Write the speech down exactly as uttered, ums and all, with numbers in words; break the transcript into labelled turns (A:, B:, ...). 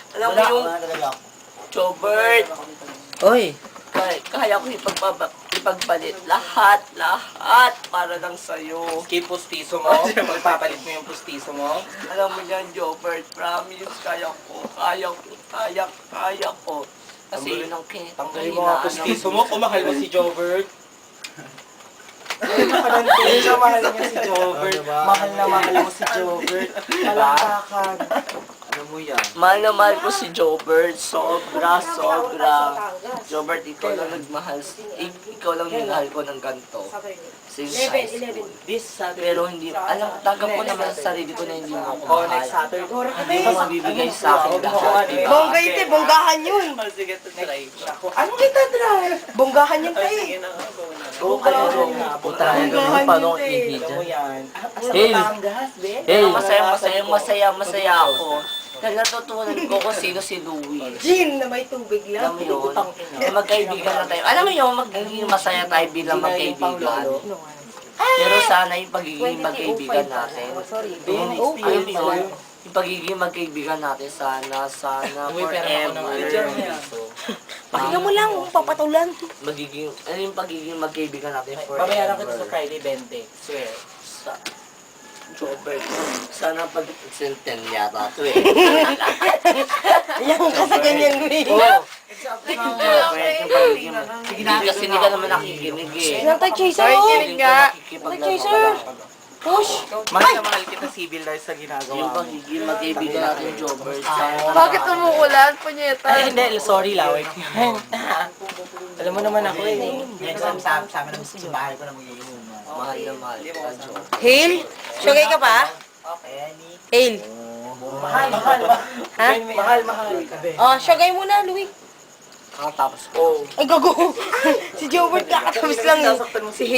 A: Alam mo yung Jobert,
B: Oy,
A: kaya, kaya ko ipagpaba, ipagpalit lahat, lahat para lang sa'yo.
B: skip pustiso mo. Magpapalit mo yung pustiso mo.
A: Alam mo yan, Jobert, promise, kaya ko, kaya ko, kaya, kaya ko. Kasi yun ang kin-
B: Tanggalin mo nga pustiso mo kung mahal mo si Jobert. Ano ka nang tingin? Mahal niya si Jobert. Mahal na mahal mo si Jobert. Kalakakan. Ano mo yan?
A: Mahal na mahal ko si Jobert, sobra, sobra. Jobert, ikaw lang nagmahal, ik- ikaw lang minahal ko ng ganito. Since high school.
B: This Saturday.
A: Pero hindi, alam, tanggap ko naman sa sarili ko na hindi mo ako
B: Oh,
A: mahal.
B: next Saturday.
A: Hindi mo mabibigay sa akin lahat, diba?
C: Bongga yun, te. Bonggahan yun.
B: Oh, sige, try. Ako, ano kita try?
C: Bonggahan yun,
B: Oh,
C: te.
B: sige na nga, go na.
A: Go ka na, go. Puta na
C: Bonggahan
A: yun, paano
C: yun,
A: kong
C: te.
A: ihi
B: Alam mo
A: dyan?
B: yan.
A: Hey.
B: Batangas, be.
A: Hey, masaya, masaya, masaya, masaya ako. Dahil natutunan ko kung sino si Louie.
C: Gin na may tubig
A: Alam
C: lang.
A: mo yun, na magkaibigan na tayo. Alam mo yun, magiging masaya tayo bilang magkaibigan. Pero sana yung pagiging magkaibigan natin.
C: Sorry.
B: Ben,
A: Alam mo
B: experience
A: yun,
B: tayo.
A: yung pagiging magkaibigan natin, sana, sana,
B: Uy, pero ako ng ano dyan.
A: forever.
C: Pakinggan mo lang, papatulan.
A: Magiging, ano yung pagiging magkaibigan natin
B: Babayaran ko sa
A: forever.
B: Friday twenty. Swear.
A: Sa, Jobert, sana pag senten yata ito eh.
C: Yan kasi ganyan, Louie.
A: Oo. Jobert, yung pagiging, hindi kasi hindi ka naman nakikinig eh.
C: Yan tayo, Chaser.
A: Hindi ka nakikipaglaro
C: Chaser.
A: ka lang.
C: Push.
B: Mahal na mahal kita civil dahil sa ginagawa
A: Yung
B: mo.
A: pagiging magkaibigan natin, Jobert, sana.
D: Bakit umuulan, punyeta?
B: Ay, hindi. Sorry, laway. Alam mo naman ako eh. Next time, sama, sama naman sa bahay ko na mag-iinom.
A: Mahal na mahal ka, Jobert.
C: Hail? Sugay ka pa?
B: Okay, Annie.
C: Hail.
B: Mahal, mahal, mahal.
C: Ha?
B: Mahal, mahal.
C: Oh, sugay muna, Louie.
A: Kakatapos ko.
C: Ay, gago. Si Jobert kakatapos lang eh.
B: Sasaktan mo
C: Si